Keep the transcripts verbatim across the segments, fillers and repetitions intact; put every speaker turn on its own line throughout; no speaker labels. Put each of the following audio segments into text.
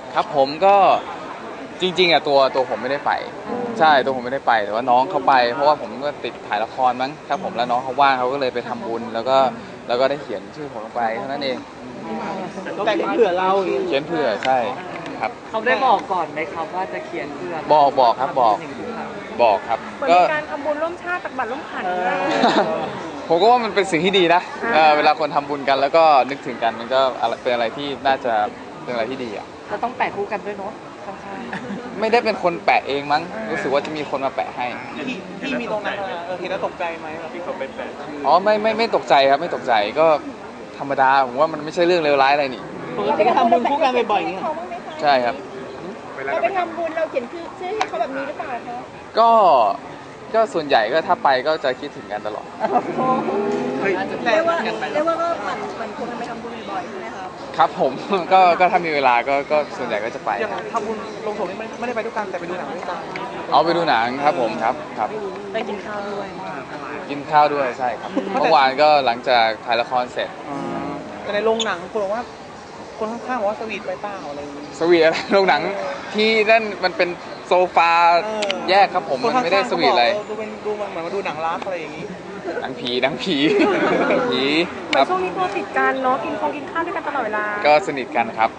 ครับผมก็จริงๆอ่ะตัวตัวผมไม่ได้ไปใช่ตัวผมไม่ได้ไปแต่ว่าน้องเขาไปเพราะว่าผมก็ติดถ่ายละครมั้งครับผมแล้วน้องเขาว่างเขาก็เลยไปทำบุญแล้วก็แล้วก็ได้เขียนชื่อผมลงไปเท่านั้นเอง
แต่เผื่อเรา
เขียนเผื่อใช่ครับ
เขาได้บอกก่อนไหมครับว่าจะเขียนเผื่อ
บอกบอกครับบอกบอกครับ
ก็การทำบุญร่วมชาติตักบาตรร่วมขัน
ผมก็ว่ามันเป็นสิ่งที่ดีนะเวลาคนทำบุญกันแล้วก็นึกถึงกันมันก็เป็นอะไรที่น่าจะเป็นอะไรที่ดีอ่ะ
เราต้องแปะคู่กันด้วยเนาะ
ไม่ได้เป็นคนแปะเองมั้งรู้สึกว่าจะมีคนมาแปะให้
พี่มีตรงนั้นเห็นแล้วตกใจไหมที่เขาไปแปะ
อ๋อไม่ไม่ไม่ตกใจครับไม่ตกใจก็ธรรมดาผมว่ามันไม่ใช่เรื่องเลวร้ายอะไรนี่
ปกติก็ทำบุญคู่กันบ่อยๆอย่างเงี้ย
ใช่ครับ
เราไปทำบุญเราเขียนชื่อให้เขาแบบนี้หรือเปล่าคะ
ก็ก็ส่วนใหญ่ก็ถ้าไปก็จะคิดถึงกันตลอด
เรียกว่าเรียกว่าก็หมั่นหมั่นควรไปทำบุญบ่อยๆใช่ไหมครับ
ครับผมก็ก็ถ้ามีเวลาก็ก็ส่วนใหญ่ก็จะไป
อย่างทำบุญลงศพนี่ไม่ได้ไปด้วยกันแต่ไปดูหนังด้วยกัน
เอาไปดูหนังครับผมครับครับ
ไปกินข้าวด้วย
กินข้าวด้วยใช่ครับเมื่อวานก็หลังจากถ่ายละครเสร็จ
แต่ในโรงหนังคนบอกว่าคนข้างๆบอกว่าสวีทไปเปล่าอะไร
สวีทอะไรโรงหนังที่นั่นมันเป็นโซฟาแยกครับผมมันไม่ได้สวีทอะไร
ดูเป็นดูมันเหมือนมาดูหนังรักอะไรอย่างนี้
หนังผีหนังผีผี
ครับช่วงนี้ตัวติดกันเนาะกินคงกินข้าวด้วยกันตลอดเวลา
ก็สนิทกันครับ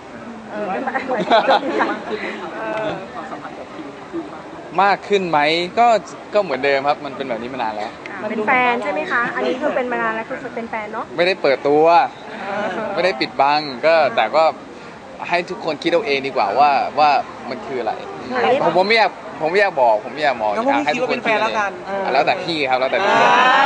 มากขึ้นไหมก็ก็เหมือนเดิมครับมันเป็นแบบนี้มานานแล้ว
เป็นแฟนใช่ไหมคะอันนี้คือเป็นมานานแล้วคือเป็นแฟนเนาะ
ไม่ได้เปิดตัวไม่ได้ปิดบังก็แต่ก็ให้ทุกคนคิดเอาเองดีกว่าว่าว่ามันคืออะไรผมผมไม่อยากผมไม่อยากบอกผมไม่อยากบอก
ให้ทุกคนคิดแล้วกัน
แล้วแต่พี่ครับแล้วแต่พี่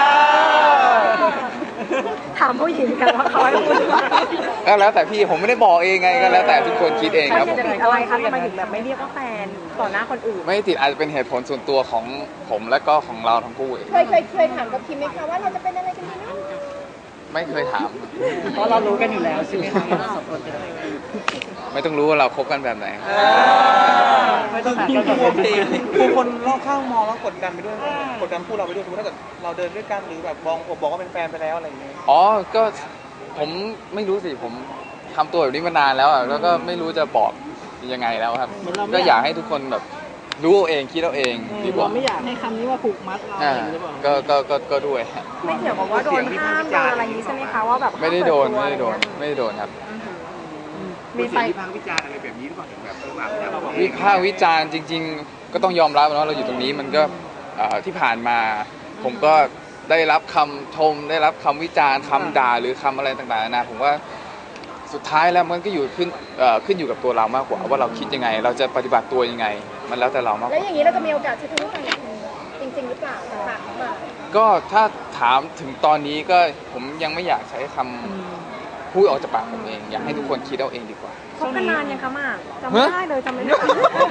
ถามผู้หญิงกันว่าเขาให้พูด
ก็แล้วแต่พี่ผมไม่ได้บอกเองไงก็แล้วแต่ทุกคนคิดเองครับ
จะติดอะไรครับทำไมถึงแบบไม่เรียกว่าแฟนต่อหน้าคนอื่น
ไม่ติดอาจจะเป็นเหตุผลส่วนตัวของผมและก็ของเราทั้งคู่เอง
เคยเคยเคยถามกับคิมไหมคะว่าเราจะเป็นอะไรกันดีนะ
ไม่เคยถาม
เพราะเรารู้กันอยู่แล้วใช่ไหมคะสองคน
ไม่ต้องรู้ว่าเราคบกันแบบไหน
ไม่ต้องถามกันแบบนี้คือคนรอบข้างมองแล้วกดดันไปด้วยกดดันคู่เราไปด้วยสมมติถ้าเกิดเราเดินด้วยกันหรือแบบบอกบอกว่าเป็นแฟนไปแล้วอะไรอย่างเงี้ย
อ๋อก็ผมไม่รู้สิผมทำตัวแบบนี้มานานแล้วอ่ะแล้วก็ไม่รู้จะบอกยังไงแล้วครับก็อยากให้ทุกคนแบบรู้เอาเองคิดเอาเองดีกว่า
ไม่อยากให้คำนี้ว่าผูกมัดเราหรือเปล่า
ก็ก็ก็ก็ด้วย
ไม่เกี่ยวกับว่าโดนห้ามโดนอะไรนี้ใช่ไหมคะว่าแบบ
ไม่ได้โดนไม่ได้โดนไม่ได้โดนครับ
มีไปวิพากษ์วิจารณ์อะไรแบบนี้หรือเปล่าแบบ
วิพากษ์วิจารณ์จริงๆก็ต้องยอมรับนะเราอยู่ตรงนี้มันก็ที่ผ่านมาผมก็ได้รับคำชมได้รับคำวิจารณ์คำด่าหรือคำอะไรต่างๆนะผมว่าสุดท้ายแล้วมันก็อยู่ขึ้นขึ้นอยู่กับตัวเรามากกว่าว่าเราคิดยังไงเราจะปฏิบัติตัวยังไงมันแล้วแต่เรามากกว่า
แล้วอย่างนี้เราจะมีโอกาสใช้ชีวิตกันจริงๆหรือเปล่าฝากมา
ก็ถ้าถามถึงตอนนี้ก็ผมยังไม่อยากใช้คำพูดออกจากปากผมเองอยากให้ทุกคนคิดเอาเองดีกว่า
คบกันนานยังคะมากจำไม่ได้เลยจำไม่ได้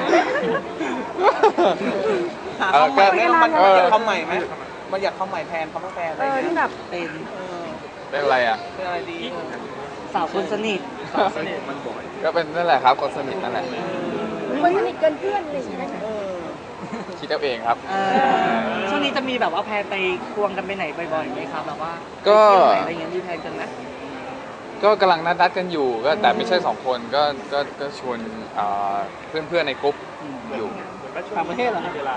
หาคำใหม่มันอยากคำใหม่ไหมมันอยากคำใหม่แทนคำว่าแฟนอะไร
ที่แบบ
เป็น
เป็นอะไรอ่ะ
เป็นอะไรดี
สาวคนสนิท
สาวสนิทมันบ่อย
ก็เป็นนั่นแหละครับคนสนิทนั่นแหละ
คนสนิทเกินเพื่อนเลยใช่ไหม
คิดเอาเองครับ
ช่วงนี้จะมีแบบว่าแพนไปควงกันไปไหนบ่อยๆไหมครับแบบว่า
ก็
อะไรเงี้ยมีแพนกันไหม
ก็กำลังนัดนัดกันอยู่ก็แต่ไม่ใช่สองคนก็ก็ก็ชวนเพื่อนเพื่อนในกลุ่มอยู่
ต่างประเทศเหรอเวลา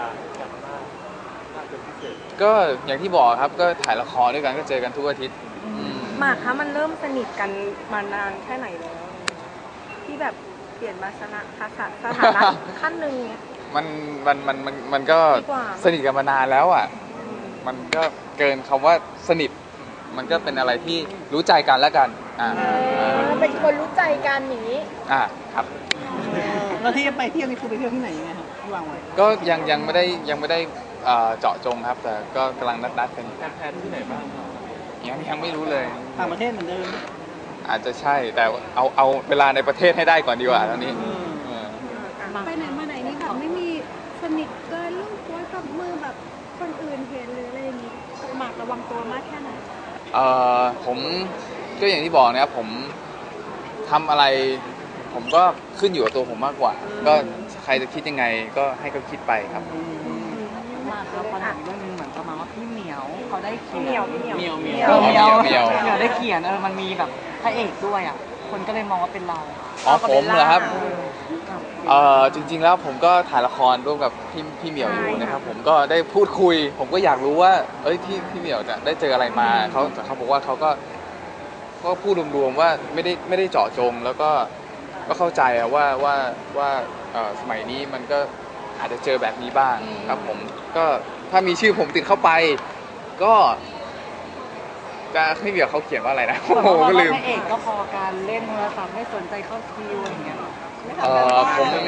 ก็อย่างที่บอกครับก็ถ่ายละครด้วยกันก็เจอกันทุกอาทิตย์
หมากคะมันเริ่มสนิทกันมานานแค่ไหนแล้วที่แบบเปลี่ยนมาสถานะสถานะขั้นหนึ่ง
มันมันมันมันมันก็สนิทกันมานานแล้วอ่ะมันก็เกินคำว่าสนิทมันก็เป็นอะไรที่รู้ใจกันแล้วกันอ่า
เป็นคนรู้ใจกันอย่างนี้
อ่าครับ
แล้วที่ไปเที่ยวนี่คือไปเที่ยวที่ไหนยังไงครับที่วางไว้
ก็ยังยังไม่ได้ยังไม่ได้เจาะจงครับแต่ก็กำลังนัดนัดกัน
แพนที่ไหนบ้าง
ยังยังไม่รู้เลย
ต่างประเทศเหมือนเดิม
อาจจะใช่แต่เอาเอาเวลาในประเทศให้ได้ก่อนดีกว่าตอนนี้
ไปไหนมาไหนนี่แบบไม่มีสนิทเกินลูกโวยกับมือแบบคนอื่นเห็นหรืออะไรอย่างนี้หมากระวังตัวมากแค่ไหน
เอ่อผมก็อย่างที่บอกนะครับผมทำอะไรผมก็ขึ้นอยู่กับตัวผมมากกว่าก็ใครจะคิดยังไงก็ให้เขาคิดไปครับ
มาครับปัญหาเรื่องนึงเหมือนประมาณว่าพี่เหมียวเขาได้เขียน
เหมียวเหมียว
เหมียวเหมี
ยวเหมียวเหมียว
เหมียวได้เขียนเออมันมีแบบพระเอกด้วยอ่ะคนก็เลยมองว่าเป็นเรา
อ๋อผมเหรอครับเอ่อจริง ๆ แล้วผมก็ถ่ายละครร่วมกับพี่พี่เหมียวอยู่นะครับผมก็ได้พูดคุย ผมก็อยากรู้ว่าเอ้ยที่พี่เหมียวจะได้เจออะไรมาเขาแต่เขาบอกว่าเขาก็ก็พูดรวมๆว่าไม่ได้ไม่ได้เจาะจง แล้วก็ก็เข้าใจอะว่าว่าว่าเอ่อสมัยนี้มันก็อาจจะเจอแบบนี้บ้างครับผมก็ถ้ามีชื่อผมติดเข้าไป ก็จะพี่เหมียวเขาเขียนว่าอะไรนะโอ้
บอก
โห
ว่า
ก็ลืม
พระเอกก็พอการเล่นโทรศัพท์ไม่สนใจเข้าคิวอย่างเงี้ยหรอ
เอ่อผม
แบ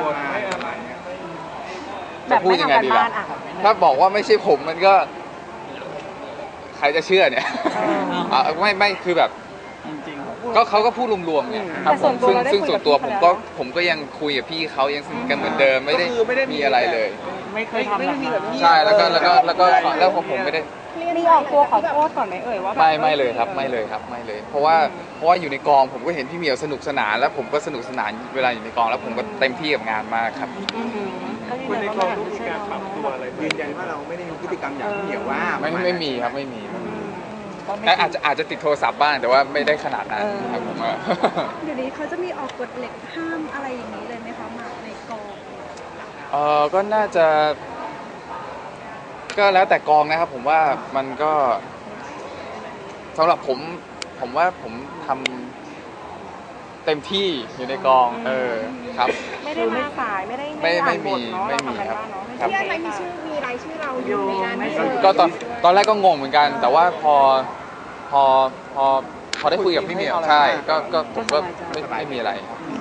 จะ
บ
พูด
ไม่
ยังไง
ทำการ
ดี
บ้า
ล่ะ
นอ่ะ
ถ้าบอกว่าไม่ใช่ผมมันก็ ใครจะเชื่อเนี่ยอ่ะไม่ไม่คือแบบก็เขาก็พูดรวมๆไงครับผมซึ่งซึ่งส่วนตัวผมก็ผมก็ยังคุยกับพี่เขายังสนิทกันเหมือนเดิมไม่ได้
ก็คือไม่ได้มี
มีอะไรเลย
ไม่เคยทำ
ไม่ได้มีแบบนี้
ใช่แล้วก็แล้วก็แล้วก็แล้วผมผมไม่ได้
มีออกตัวขอโทษก่อนไหมเอ่ยว่าแบบ
ไม่ไม่เลยครับไม่เลยครับไม่เลย เพราะว่าเพราะว่าอยู่ในกองผมก็เห็นพี่เหมียวสนุกสนานแล้วผมก็สนุกสนานเวลาอยู่ในกองแล้วผมก็เต็มที่กับงานมากครับ
อือหือก็ยืนยันว่ามันอาจจะใช่เราเนาะ
ยืนยันว่าเราไม่ได้มีพฤติกรรมอย่างที่เหนียวว่า
ไม่ไม่มีครับไม่มีไม่มี
ก็ไม่
แต่อาจจะอาจจะติดโทรศัพท์บ้างแต่ว่าไม่ได้ขนาดนั้นครับผม
เดี๋ยวนี้เขาจะมีออกกฎเหล็กห้ามอะไรอย่างนี้เลยไหมคะหมากในกอง
เออก็น่าจะ ก็แล้วแต่กองนะครับผมว่ามันก็สำหรับผม ผมว่าผมทำเต็มที่อยู่ในกอง เออครับ
ไม่ได้มาสายไม่ได้
ไม่ไม่
อ่านบ
มี
ทเนาะ
ไม่มี
เาทำกัน
ครับ
บ้านเนาะ
ครับ
ที่อะไรมีชื่อมีรายชื่อเราอยู่ในนั้น
ไม่
ด้วย
ก็ตอนตอนแรกก็งงเหมือนกัน แต่ว่าพอพอพอพอได้คุยกับพี่เหมียวใช่ก็ก็ผมก็ไม่ไม่มีอะไรครับ
อืม